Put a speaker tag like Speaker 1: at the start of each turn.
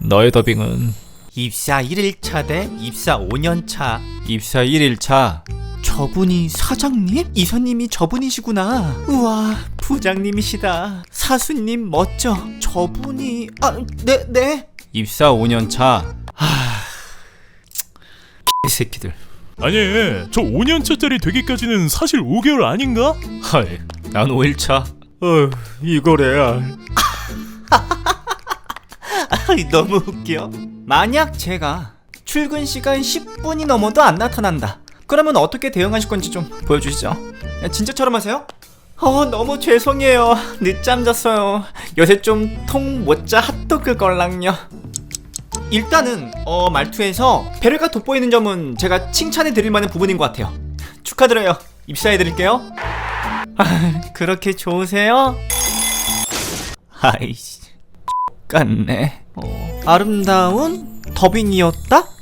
Speaker 1: 너의 더빙은
Speaker 2: 입사 1일차 대 입사 5년차.
Speaker 1: 입사 1일차.
Speaker 2: 저분이 사장님? 이사님이 저분이시구나. 우와, 부장님이시다. 사수님 멋져. 저분이... 네.
Speaker 1: 입사 5년차. 개새끼들.
Speaker 3: 아니, 저 5년차짜리 되기까지는 사실 5개월 아닌가?
Speaker 1: 헐, 난 5일차.
Speaker 3: 이거래야.
Speaker 2: 너무 웃겨. 만약 제가 출근 시간 10분이 넘어도 안 나타난다, 그러면 어떻게 대응하실 건지 좀 보여주시죠. 진짜처럼 하세요? 너무 죄송해요. 늦잠 잤어요. 요새 좀 통 못 자 핫도그 걸랑요. 일단은 말투에서 배려가 돋보이는 점은 제가 칭찬해 드릴 만한 부분인 것 같아요. 축하드려요. 입사해 드릴게요. 그렇게 좋으세요? 아이씨, 같네. 아름다운 더빙이었다?